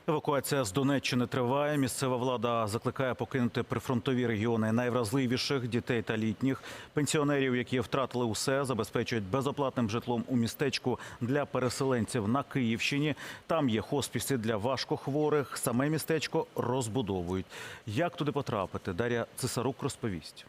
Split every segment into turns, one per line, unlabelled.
Евакуація з Донеччини триває. Місцева влада закликає покинути прифронтові регіони найвразливіших – дітей та літніх. Пенсіонерів, які втратили усе, забезпечують безоплатним житлом у містечку для переселенців на Київщині. Там є хоспіси для важкохворих. Саме містечко розбудовують. Як туди потрапити? Дар'я Цесарук розповість.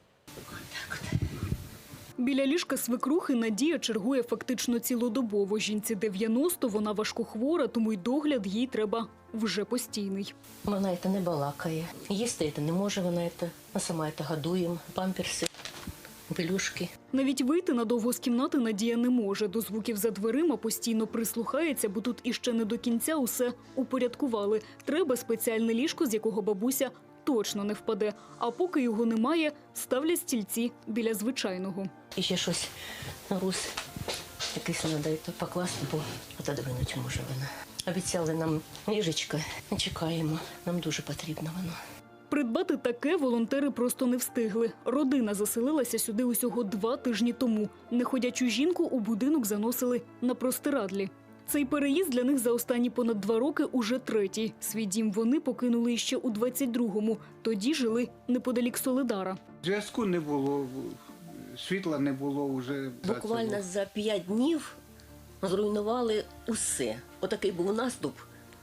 Біля ліжка свекрухи Надія чергує фактично цілодобово. Жінці 90, вона важкохвора, тому й догляд їй треба вже постійний.
Вона це не балакає, їсти це не може, вона це, ми сама це годуємо, памперси, пелюшки.
Навіть вийти надовго з кімнати Надія не може. До звуків за дверима постійно прислухається, бо тут іще не до кінця усе упорядкували. Треба спеціальне ліжко, з якого бабуся точно не впаде. А поки його немає, ставлять стільці біля звичайного.
І ще щось на рус якийсь треба покласти, бо отодвинути може вона. Обіцяли нам ліжечко, чекаємо, нам дуже потрібно воно.
Придбати таке волонтери просто не встигли. Родина заселилася сюди усього 2 тижні тому. Неходячу жінку у будинок заносили на простирадлі. Цей переїзд для них за останні понад 2 роки уже 3-й. Свій дім вони покинули ще у 22-му. Тоді жили неподалік Солидара.
Зв'язку не було, світла не було вже.
Буквально за 5 днів зруйнували усе. Отакий був наступ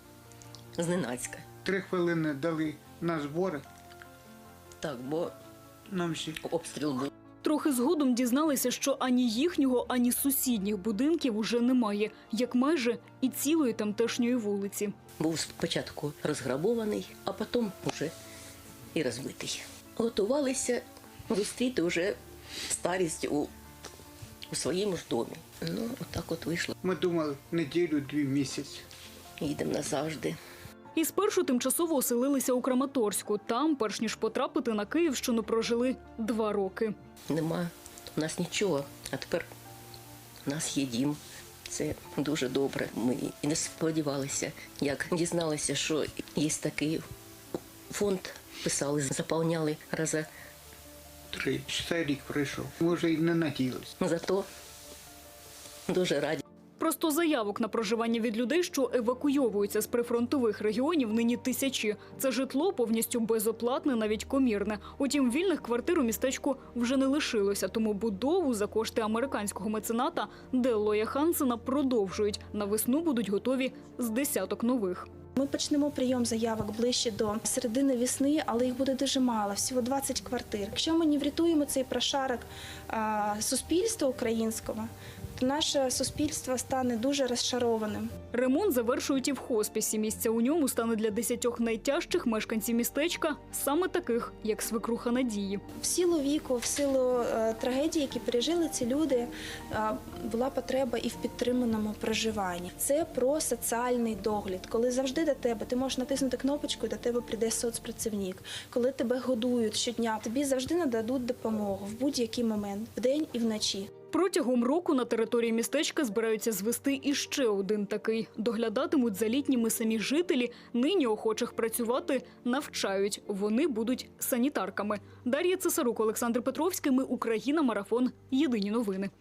зненацька.
3 хвилини дали на збори.
Так, бо
Нам всі.
обстріл був.
Трохи згодом дізналися, що ані їхнього, ані сусідніх будинків уже немає, як майже і цілої тамтешньої вулиці.
Був спочатку розграбований, а потім вже і розбитий. Готувалися зустріти вже старість у своєму ж домі. Ну, отак от вийшло.
Ми думали, неділю-2 місяці.
Їдемо назавжди.
І спершу тимчасово оселилися у Краматорську. Там, перш ніж потрапити на Київщину, прожили 2 роки.
Нема у нас нічого, а тепер у нас є дім. Це дуже добре. Ми і не сподівалися, як дізналися, що є такий фонд, писали, заповняли рази.
3. Цей рік пройшов. Ми вже й не надіялися.
Зато дуже раді.
Просто заявок на проживання від людей, що евакуйовуються з прифронтових регіонів, нині тисячі. Це житло повністю безоплатне, навіть комірне. Утім, вільних квартир у містечку вже не лишилося, тому будову за кошти американського мецената Деллоя Хансена продовжують. На весну будуть готові з десяток нових.
Ми почнемо прийом заявок ближче до середини весни, але їх буде дуже мало, всього 20 квартир. Якщо ми не врятуємо цей прошарок суспільства українського, то наше суспільство стане дуже розчарованим.
Ремонт завершують і в хоспісі. Місця у ньому стане для 10 найтяжчих мешканців містечка, саме таких, як свекруха Надії.
В силу віку, в силу трагедії, які пережили ці люди, була потреба і в підтриманому проживанні. Це про соціальний догляд. Коли завжди до тебе, ти можеш натиснути кнопочку, і до тебе прийде соцпрацівник. Коли тебе годують щодня, тобі завжди нададуть допомогу в будь-який момент, вдень і вночі.
Протягом року на території містечка збираються звести іще один такий. Доглядатимуть за літніми самі жителі, нині охочих працювати навчають. Вони будуть санітарками. Дар'я Цесарук, Олександр Петровський. Ми Україна. Марафон. Єдині новини.